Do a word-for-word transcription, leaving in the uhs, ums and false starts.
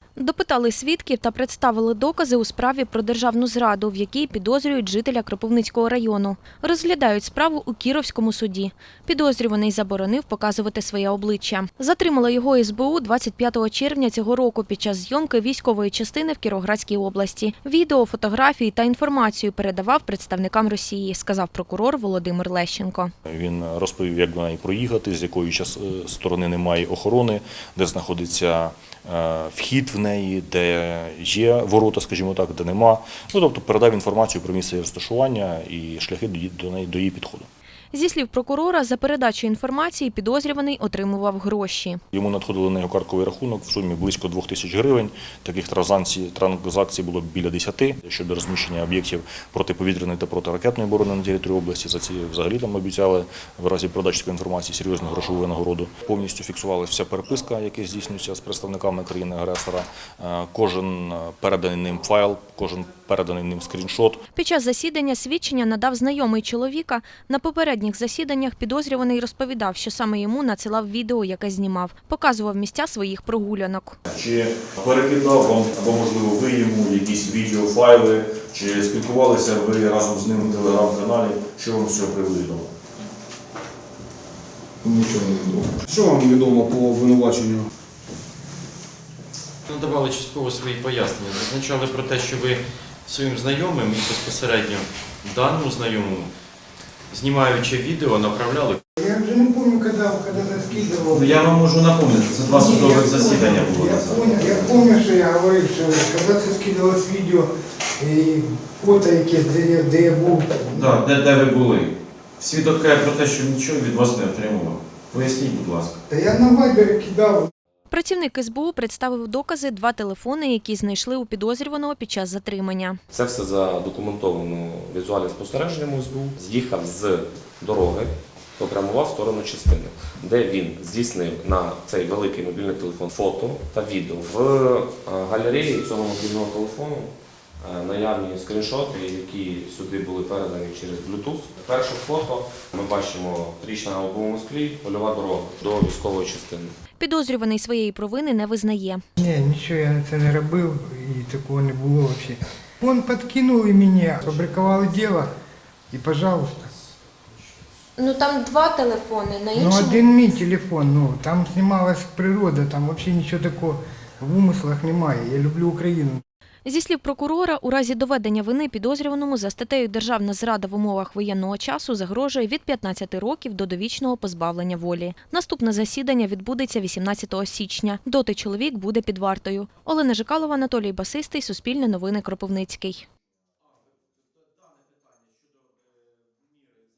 Допитали свідків та представили докази у справі про державну зраду, в якій підозрюють жителя Кропивницького району. Розглядають справу у Кіровському суді. Підозрюваний заборонив показувати своє обличчя. Затримала його ес бе у двадцять п'ятого червня цього року під час зйомки військової частини в Кіровоградській області. Відео, фотографії та інформацію передавав представникам Росії, сказав прокурор Володимир Лещенко. Він розповів, як до неї проїхати, з якої сторони немає охорони, де знаходиться вхід в неї, де є ворота, скажімо так, де нема. Ну, тобто передав інформацію про місце розташування і шляхи до неї, до її підходу. Зі слів прокурора, за передачу інформації підозрюваний отримував гроші. Йому надходили на його картковий рахунок в сумі близько двох тисяч гривень. Таких транзакцій, транзакцій було біля десяти. Щодо розміщення об'єктів протиповітряної та протиракетної оборони на території області, за ці взагалі там обіцяли в разі передачі такої інформації серйозну грошову винагороду. Повністю фіксувалася вся переписка, яка здійснюється з представниками країни-агресора. Кожен переданий ним файл, кожен переданий ним скріншот. Під час засідання свідчення надав знайомий чоловіка. На попередніх засіданнях підозрюваний розповідав, що саме йому надсилав відео, яке знімав. Показував місця своїх прогулянок. Чи перекидав вам, або, можливо, ви йому якісь відеофайли, чи спілкувалися ви разом з ним в телеграм-каналі, що вам з цього приводу відомо? Нічого не відомо. Що вам відомо по обвинуваченню? Надавали частково свої пояснення. Зазначали про те, що ви своїм знайомим і безпосередньо даному знайомому, знімаючи відео, направляли. Я вже не пам'ятаю, коли, коли заскидував. Ну, я вам можу напомнити, це два судових засідання було. Я пам'ятаю, я пам'ятаю, що я говорив, що коли це скидалось відео і фото якесь, де я, де я був. Так, де, де ви були. Свідок каже про те, що нічого від вас не отримував. Поясніть, будь ласка. Та я на вайбері кидав. Працівник ес бе у представив докази, два телефони, які знайшли у підозрюваного під час затримання. Це все задокументовано візуальним спостереженням ес бе у. З'їхав з дороги, попрямував в сторону частини, де він здійснив на цей великий мобільний телефон фото та відео. В галереї цього мобільного телефону наявні скріншоти, які сюди були передані через Bluetooth. Перше фото ми бачимо річна на лобовому склі, польова дорога до військової частини. Підозрюваний своєї провини не визнає. Ні, нічого я це не робив і такого не було взагалі. Він підкинув і мене, фабрикували діло і, пожалуйста. Ну там два телефони, на Ну один мій телефон, ну там знімалась природа, там взагалі нічого такого в умислах немає. Я люблю Україну. Зі слів прокурора, у разі доведення вини підозрюваному за статтею «Державна зрада в умовах воєнного часу» загрожує від п'ятнадцяти років до довічного позбавлення волі. Наступне засідання відбудеться вісімнадцятого січня. Доти чоловік буде під вартою. Олена Жикалова, Анатолій Басистий, Суспільне новини, Кропивницький.